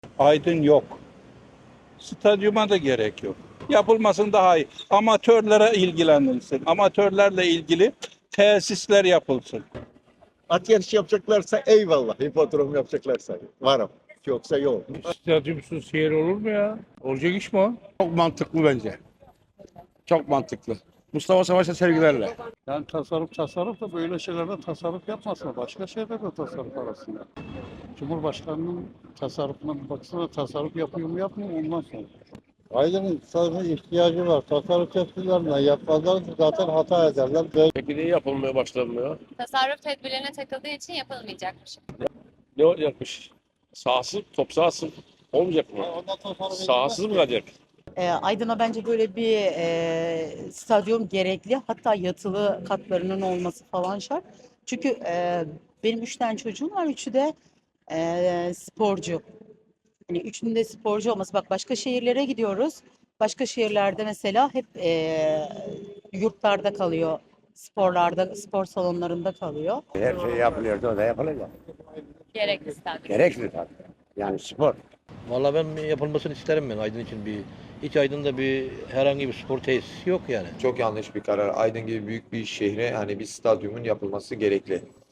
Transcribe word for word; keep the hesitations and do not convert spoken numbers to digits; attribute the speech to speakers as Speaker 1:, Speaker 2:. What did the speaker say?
Speaker 1: Aydın yok. Stadyuma da gerek yok. Yapılmasın daha iyi. Amatörlere ilgilenilsin. Amatörlerle ilgili tesisler yapılsın.
Speaker 2: At yarışı yapacaklarsa eyvallah. Hipodrom yapacaklarsa varım. Yoksa yok.
Speaker 3: Stadyumsuz şehir olur mu ya? Olacak iş mi o?
Speaker 4: Çok mantıklı bence. Çok mantıklı. Mustafa Savaş'a sevgilerle.
Speaker 5: Yani tasarruf tasarruf da böyle şeylerde tasarruf yapmasın. Başka şeylerde tasarruf arasında. Cumhurbaşkanının tasarrufuna bir baksana, tasarruf yapıyor mu yapmıyor mu ondan sonra.
Speaker 6: Aydın'ın sadece ihtiyacı var. Tasarruf tedbirlerine yapmazlar zaten hata ederler. Böyle
Speaker 3: Peki niye yapılmaya başlanmıyor?
Speaker 7: Tasarruf tedbirlerine takıldığı için yapılmayacakmış.
Speaker 3: Ne olacakmış? Sahasız, top sahası olmayacak mı?
Speaker 6: ondan tasarruf
Speaker 3: Sahasız mı kalacak?
Speaker 8: E, Aydın'a bence böyle bir e, stadyum gerekli. Hatta yatılı katlarının olması falan şart. Çünkü e, benim üç tane çocuğum var. Üçü de e, sporcu. Hani üçünün de sporcu olması. Bak başka şehirlere gidiyoruz. Başka şehirlerde mesela hep e, yurtlarda kalıyor. Sporlarda, spor salonlarında kalıyor.
Speaker 4: Her şey yapılıyordu, o da yapılacak.
Speaker 7: Gerekli stadyum.
Speaker 4: Gerekli tabii. Yani spor.
Speaker 9: Vallahi ben yapılmasını isterim ben Aydın için bir. Hiç Aydın'da bir herhangi bir spor tesisi yok yani.
Speaker 10: Çok yanlış bir karar. Aydın gibi büyük bir şehre hani bir stadyumun yapılması gerekli.